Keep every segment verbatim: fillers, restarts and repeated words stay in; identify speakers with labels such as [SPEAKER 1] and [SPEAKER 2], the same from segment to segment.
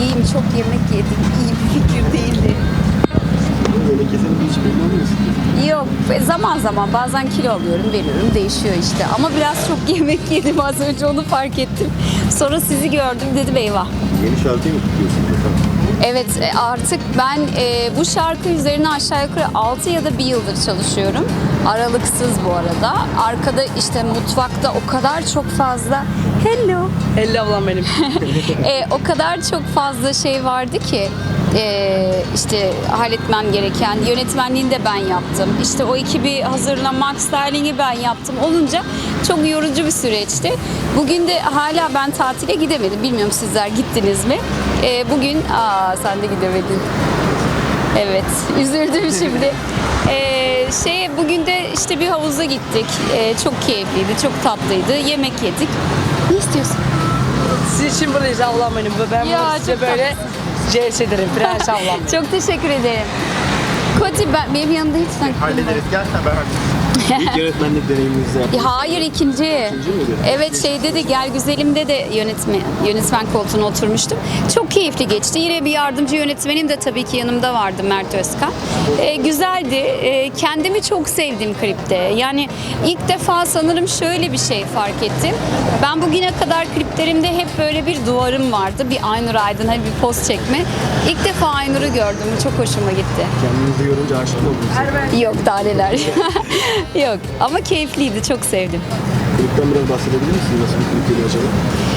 [SPEAKER 1] İyiyim, çok yemek yedim. İyi bir fikir değildi.
[SPEAKER 2] Böyle kesin hiç belli olmuyorsun.
[SPEAKER 1] Yok, zaman zaman bazen kilo alıyorum, veriyorum, değişiyor işte. Ama biraz çok yemek yedim, az önce onu fark ettim. Sonra sizi gördüm, dedim eyvah.
[SPEAKER 2] Yeni şarkıyı mı tutuyorsun bakalım?
[SPEAKER 1] Evet, e, artık ben e, bu şarkı üzerine aşağı yukarı altı ya da bir yıldır çalışıyorum. Aralıksız bu arada. Arkada işte mutfakta o kadar çok fazla hello
[SPEAKER 3] Elle ablam benim.
[SPEAKER 1] e, o kadar çok fazla şey vardı ki e, işte halletmem gereken, yönetmenliğini de ben yaptım. İşte o ekibi hazırlamak, styling'i ben yaptım. Olunca çok yorucu bir süreçti. Bugün de hala ben tatile gidemedim. Bilmiyorum sizler gittiniz mi? E, bugün, aa sen de gidemedin. Evet, üzüldüm şimdi. Ee, şey, bugün de işte bir havuza gittik. Ee, çok keyifliydi, çok tatlıydı. Yemek yedik. Ne istiyorsun?
[SPEAKER 3] Siz için buradayız ablam benim. Ben
[SPEAKER 1] Ya,
[SPEAKER 3] bunu size
[SPEAKER 1] çok
[SPEAKER 3] böyle C S ederim. Prens ablam.
[SPEAKER 1] Çok teşekkür ederim. Koti, ben, benim yanımda hiç sen...
[SPEAKER 2] Hallederiz, gel sen ben halledeyim. İlk yönetmenlik deneyiminizi yaptınız.
[SPEAKER 1] Hayır, ikinci.
[SPEAKER 2] İkinci miydi?
[SPEAKER 1] Evet, şeyde de Gel Güzelim'de de yönetmen, yönetmen koltuğuna oturmuştum. Çok keyifli geçti. Yine bir yardımcı yönetmenim de tabii ki yanımda vardı, Mert Özkan. Ee, güzeldi. Ee, kendimi çok sevdim klipte. Yani ilk defa sanırım şöyle bir şey fark ettim. Ben bugüne kadar kliplerimde hep böyle bir duvarım vardı. Bir Aynur Aydın, hani bir poz çekme. İlk defa Aynur'u gördüm. Çok hoşuma gitti.
[SPEAKER 2] Kendinizi görünce aşık mı oldunuz?
[SPEAKER 1] Yok, daha neler. Yok, ama keyifliydi. Çok sevdim.
[SPEAKER 2] Klipten biraz bahsedebilir misiniz? Nasıl bir klip geliyor acaba?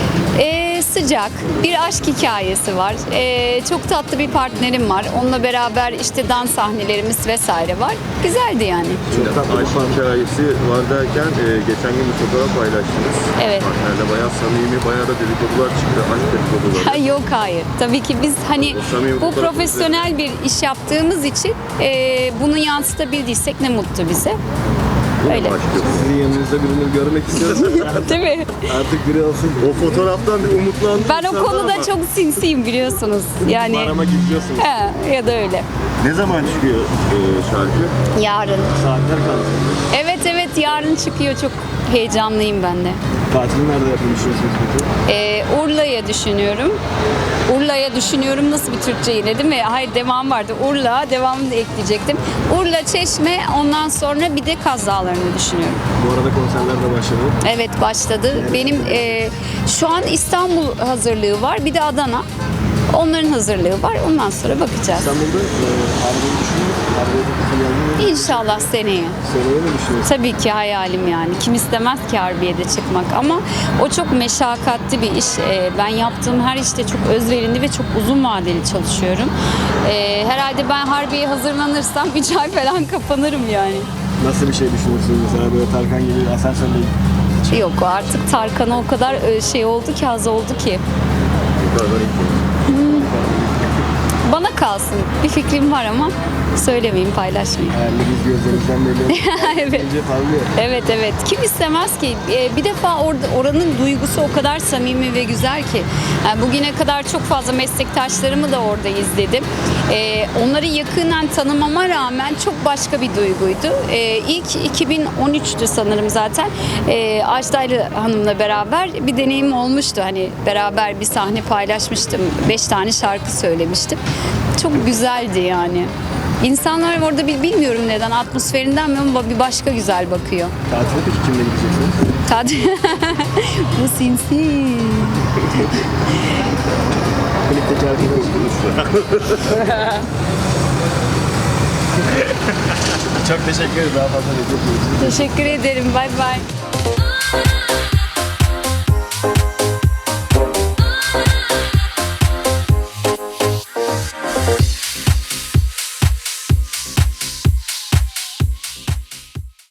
[SPEAKER 1] Ee, sıcak bir aşk hikayesi var. Ee, çok tatlı bir partnerim var. Onunla beraber işte dans sahnelerimiz vesaire var. Güzeldi yani.
[SPEAKER 2] Çok tatlı bir
[SPEAKER 4] Aşk
[SPEAKER 2] parça.
[SPEAKER 4] hikayesi var derken e, geçen gün bir fotoğraf paylaştınız.
[SPEAKER 1] Evet.
[SPEAKER 4] Partnerle bayağı samimi, bayağı da dedikodular çıktı. Aşk dedikoduları.
[SPEAKER 1] Ha, yok hayır. Tabii ki biz hani
[SPEAKER 4] O samimi
[SPEAKER 1] bu
[SPEAKER 4] fotoğrafı
[SPEAKER 1] profesyonel bir iş yaptığımız için e, bunu yansıtabildiysek ne mutlu bize. Öyle.
[SPEAKER 4] Başlıyor.
[SPEAKER 2] Sizin yanınızda birini görmek istiyoruz.
[SPEAKER 1] Değil mi?
[SPEAKER 2] Artık biri olsun.
[SPEAKER 4] O fotoğraftan bir umutlandım.
[SPEAKER 1] Ben o konuda çok sinsiyim biliyorsunuz. Yani
[SPEAKER 2] Aramak istiyorsunuz.
[SPEAKER 1] he, ya da öyle.
[SPEAKER 4] Ne zaman çıkıyor e, şarkı?
[SPEAKER 1] Yarın.
[SPEAKER 2] Saatler kaldı.
[SPEAKER 1] Evet evet yarın çıkıyor. Çok heyecanlıyım ben de.
[SPEAKER 2] Tatilini nerede yapmayı düşünüyorsunuz peki?
[SPEAKER 1] Ee, Urla'ya düşünüyorum. Urla'ya düşünüyorum nasıl bir Türkçe yine değil mi? Hayır devam vardı. Urla devamını da ekleyecektim. Urla, Çeşme ondan sonra bir de Kaz Dağları'nı düşünüyorum.
[SPEAKER 2] Bu arada konserler de başladı.
[SPEAKER 1] Evet başladı. Benim e, şu an İstanbul hazırlığı var. Bir de Adana. Onların hazırlığı var. Ondan sonra bakacağız.
[SPEAKER 2] İstanbul'da e, Harbiye'yi düşünüyoruz. Harbiye'de
[SPEAKER 1] İnşallah seneye.
[SPEAKER 2] seneye mi düşünüyorsunuz?
[SPEAKER 1] Tabii ki hayalim yani. Kim istemez ki Harbiye'de çıkmak ama o çok meşakkatli bir iş. Ee, ben yaptığım her işte çok özverili ve çok uzun vadeli çalışıyorum. Ee, herhalde ben Harbiye'ye hazırlanırsam üç ay falan kapanırım yani.
[SPEAKER 2] Nasıl bir şey düşünüyorsunuz mesela böyle Tarkan gibi asansörle?
[SPEAKER 1] Yok artık Tarkan'a o kadar e, şey oldu ki, az oldu ki.
[SPEAKER 4] Yukarıdan ilk.
[SPEAKER 1] Bana kalsın. Bir fikrim var ama söylemeyeyim, paylaşmayayım.
[SPEAKER 2] Hayalleriniz gözlerinizden belli.
[SPEAKER 1] Evet.
[SPEAKER 2] Bence parlıyor.
[SPEAKER 1] Evet evet. Kim istemez ki? Ee, bir defa orada oranın duygusu o kadar samimi ve güzel ki. Yani bugüne kadar çok fazla meslektaşlarımı da orada izledim. Ee, onları yakından tanımama rağmen çok başka bir duyguydu. Ee, ilk iki bin on üçtü sanırım zaten. Ee, Ajdaylı Hanım'la beraber bir deneyim olmuştu. Hani beraber bir sahne paylaşmıştım. Beş tane şarkı söylemiştim. Çok güzeldi yani. İnsanlar orada bir bilmiyorum neden atmosferinden mi ama bir başka güzel bakıyor.
[SPEAKER 2] Tatile peki kimle gideceksiniz?
[SPEAKER 1] Tadı. Bu sinsi.
[SPEAKER 2] Klipteki arkadaşınız. Çok teşekkür ederiz. Daha fazla da çok
[SPEAKER 1] Teşekkür ederim. Bay bay.